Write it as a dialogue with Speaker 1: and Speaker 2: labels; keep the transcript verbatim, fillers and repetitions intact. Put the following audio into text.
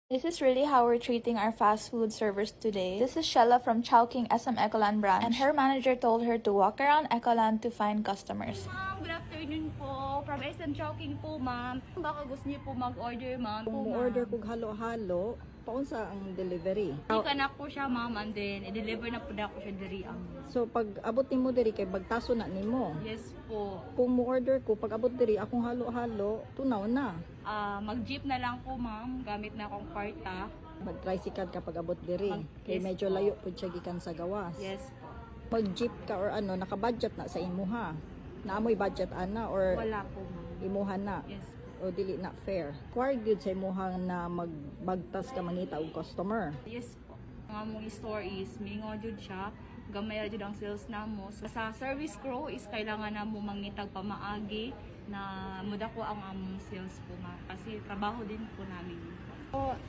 Speaker 1: This is really how we're treating our fast food servers today. This is Shella from Chowking S M Ecoland branch, and her manager told her to walk around Ecoland to find customers.
Speaker 2: Ma'am, good afternoon po. From S M Chowking po, ma'am. Baka gusto niyo po mag-order, ma'am.
Speaker 3: Kung order kog halo-halo, paunsa ang delivery.
Speaker 2: Ika na po siya, ma'am, and then i-deliver na po na ako siya diri ang.
Speaker 3: So pag abot nimo diri kay bagtaso na nimo.
Speaker 2: Yes po.
Speaker 3: Kung mo order ko pag abot diri akong halo-halo, tunaw na.
Speaker 2: Ah, mag-jeep na lang po, ma'am. Gamit na akong karta.
Speaker 3: Mag-tricycle kapag abot diri.
Speaker 2: Mag-
Speaker 3: Kay
Speaker 2: yes
Speaker 3: medyo
Speaker 2: po.
Speaker 3: layo pud siya gikan sa gawas.
Speaker 2: Yes po.
Speaker 3: Pag jeep ka or ano, naka-budget na sa imuha. Naamoy budget ana or
Speaker 2: Wala po, ma'am.
Speaker 3: imuha na.
Speaker 2: Yes po.
Speaker 3: O dili na fair. Required gyud sa imuha na magbagtas ka mangita og customer.
Speaker 2: Yes po. Ang among store is mingo jud siya. Gamay ra jud ang sales namo. So, sa service crew is kailangan na mo mangitag pamaagi na muda ko ang among sales po, ma'am. Kasi trabaho din po namin. So,